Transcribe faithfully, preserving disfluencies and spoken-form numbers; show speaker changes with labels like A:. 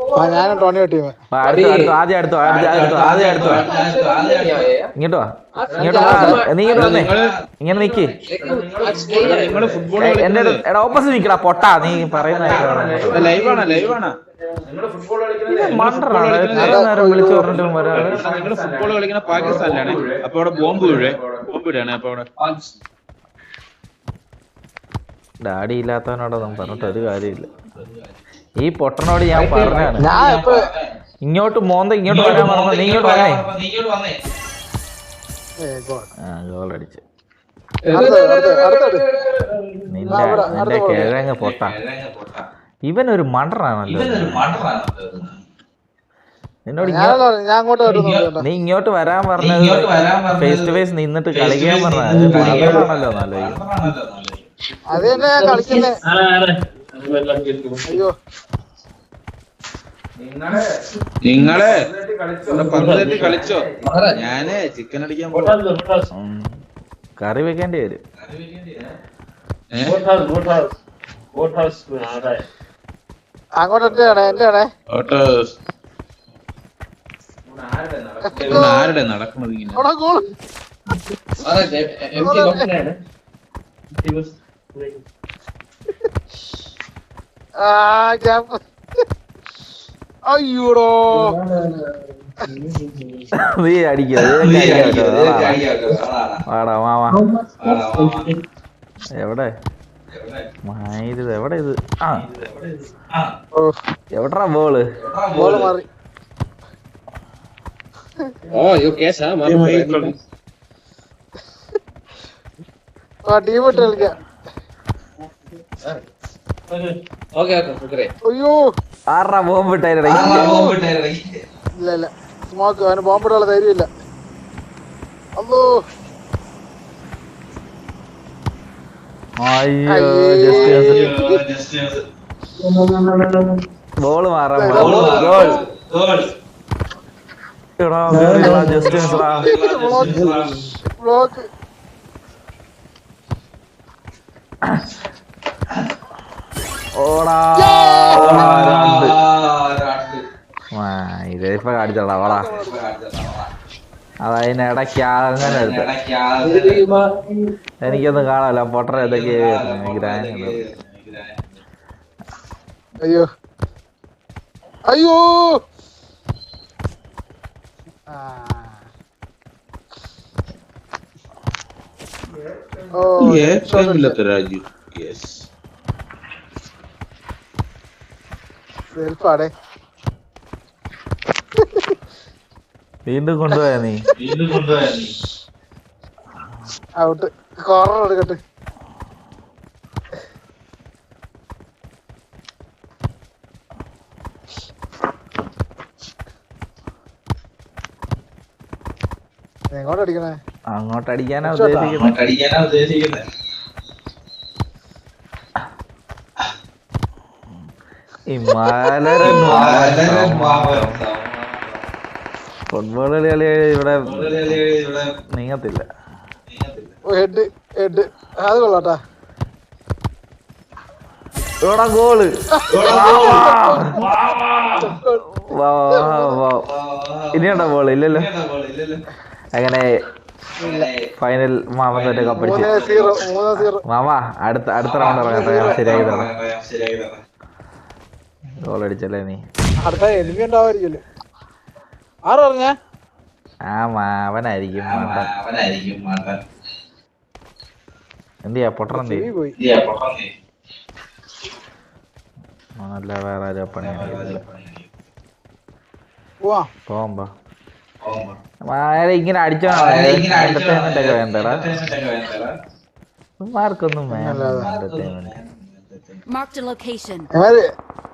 A: ഞാനും Tonio team.
B: അടുത്തു അടുത്തു ആദ്യം അടുത്തു അടുത്തു ആദ്യം അടുത്തു ഇങ്ങോട്ട് വാ ഇങ്ങോട്ട് വാ നീ ഇങ്ങോട്ട് വന്നേ ഇങ്ങനെ നിക്ക് എന്റെ എടാ ഓപ്പോസിറ്റ് നിക്കടാ പൊട്ടാ നീ പറയുന്ന നേരം വിളിച്ചു പറഞ്ഞിട്ടും വരാതെ
C: നിങ്ങള് ഫുട്ബോൾ കളിക്കുന്ന പാകിസ്ഥാനിലാണ്. അപ്പൊ അവിടെ ബോംബ് വീഴേ ബോംബ് വീഴാണ്. അപ്പൊ അവിടെ
B: ഡാഡി ഇല്ലാത്തവനോടൊന്നും പറഞ്ഞിട്ട് ഒരു കാര്യമില്ല. ഈ പൊട്ടനോട് ഞാൻ പറഞ്ഞാണ് ഇങ്ങോട്ട് മോന്ത ഇങ്ങോട്ട് വരാൻ പറഞ്ഞ നീ ഇങ്ങോട്ട് വന്നേ. ആ ഗോൾ അടിച്ച് നിന്റെ നിന്റെ കിഴങ്ങ് പൊട്ട. ഇവനൊരു മണ്ടറാണല്ലോ. നിന്നോട് നീ ഇങ്ങോട്ട് വരാൻ പറഞ്ഞത് ഫേസ് ടു ഫേസ് നിന്നിട്ട് കളിക്കാൻ പറഞ്ഞാണല്ലോ നല്ല.
A: അത് തന്നെ ഞാൻ കളിക്കുന്നേ. അയ്യോ
C: നിങ്ങള് പന്ത്രണ്ട് കളിച്ചോ? ഞാന് ചിക്കൻ അടിക്കാൻ
B: കറി വെക്കേണ്ടി വരും.
A: അങ്ങോട്ട് എന്റെ ആണേ എന്റെ ആണേ
C: ആരുടെ നടക്കുന്നത് ഇങ്ങനെ?
A: അയ്യോടോ
B: നീ അടിക്കാടാ മാമാ. എവിടെ ഇത് എവിടെ ഇത്? ആ എവിടാ ബോള്?
A: ബോള് മാറി. ടീം ഇട്ട് കളിക്കാം. അയ്യോ
B: ആറാ ബോംബ് ഇട്ടായിരുന്നു.
A: ഇല്ല ഇല്ല സ്മോക്ക് അവന് ബോംബിടാനുള്ള ധൈര്യമില്ല. അല്ലോ
B: അയ്യോ ബോള് മാറാൻ
A: ബ്ലോക്ക്.
B: ഓടാ ഇതിപ്പോ കാണിച്ചോടാ ഓടാ. അതതിനിടയ്ക്ക് അങ്ങനെ എടുത്ത് എനിക്കൊന്നും കാണാല്ല. പൊട്ടറ ഏതൊക്കെ
A: അയ്യോ അയ്യോ
C: രാജ്യം
A: സെൽഫാടേ.
B: വീണ്ടും കൊണ്ടുപോയാ നീ വീണ്ടും കൊണ്ടുപോയാ നീ
A: ഔട്ട്. കോർണർ എടുക്കട്ടെ. എങ്ങോട്ട് അടിക്കണേ?
B: അങ്ങോട്ട് അടിക്കാനാ ഉദ്ദേശിക്കുന്നത്. ഫുട്ബോൾ കളി കളി ഇവിടെ നീങ്ങത്തില്ല.
A: ഹെഡ് ഹെഡ് അത് കൊള്ളാട്ടാ.
B: ഇവിടെ ഗോള്. ഇനിയുണ്ടോ ബോള്? ഇല്ലല്ലോ. അങ്ങനെ ഫൈനൽ മാമൻ തന്നെ കപ്പടിച്ച്. മാമ അടുത്ത അടുത്ത റൗണ്ട് ഇറങ്ങട്ടെ. ശരിയാക്കി തരാം. ഗോൾ അടിച്ചല്ലേ നീ?
A: അടുത്ത എനിമി ഉണ്ടാവായിരിക്കല്ലേ? ആറ് പറഞ്ഞ
B: ആ മാവനായിരിക്കും. എന്തിയാ പൊട്ടൻ എന്ത് അല്ല വേറെ ആരോ പണിയാണ് പോകുമ്പോ ഇങ്ങനെ അടിച്ചോ. എന്റർടൈൻമെന്റ് ഒക്കെ വേണ്ടടാ. മാർക്കൊന്നും വേണ്ട എന്റർടൈൻമെന്റ്.